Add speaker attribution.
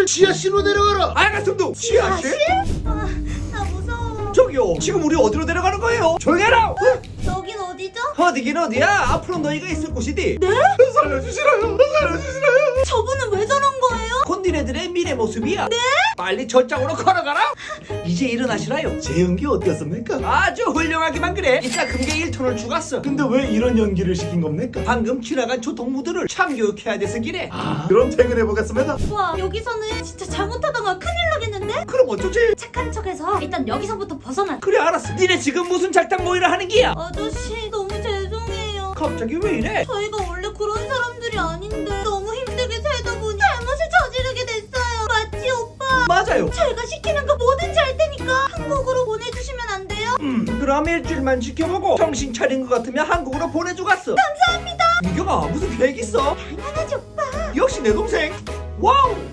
Speaker 1: 지하실로 내려가라.
Speaker 2: 알겠습니다. 지하실?
Speaker 3: 아, 나 무서워.
Speaker 2: 저기요, 지금 우리 어디로 내려가는 거예요? 조용히 해라.
Speaker 3: 여긴 어디죠?
Speaker 2: 어디긴 어디야? 앞으로 너희가 있을 곳이디.
Speaker 3: 네?
Speaker 2: 살려주시라요. 살려주시라요.
Speaker 3: 저분은 왜 저런 거예요?
Speaker 2: 곧 니네들의 미래 모습이야. 네? 빨리 저쪽으로 걸어가라. 이제 일어나시라요.
Speaker 1: 제 연기 어땠습니까?
Speaker 2: 아주 훌륭하기만 그래. 이따 금괴 1톤을 주갔어.
Speaker 1: 근데 왜 이런 연기를 시킨 겁니까?
Speaker 2: 방금 지나간 조통무들을 참교육해야 돼서 기래.
Speaker 1: 그럼 퇴근해 보겠습니다.
Speaker 3: 와, 여기서는 진짜 잘못하다가 큰일 나겠는데?
Speaker 2: 그럼 어쩌지?
Speaker 3: 착한 척해서 일단 여기서부터 벗어나.
Speaker 2: 그래 알았어. 니네 지금 무슨 작당 모의를 하는 기야?
Speaker 3: 아저씨 너무 죄송해요.
Speaker 2: 갑자기 왜 이래?
Speaker 3: 저희가 원래 그런 사람들이 아닌데 너무 힘들게 살다 보니 잘못을 저지르게 됐어요. 맞지 오빠?
Speaker 2: 맞아요.
Speaker 3: 저희가 시키는 거 뭐든지 할 테니까 한국으로 보내주시면 안 돼요?
Speaker 2: 그럼 일주일만 지켜보고 정신 차린 것 같으면 한국으로 보내주갔어. 감사합니다. 민경아 무슨 계획 있어?
Speaker 3: 당연하지 오빠.
Speaker 2: 역시 내 동생. 와우.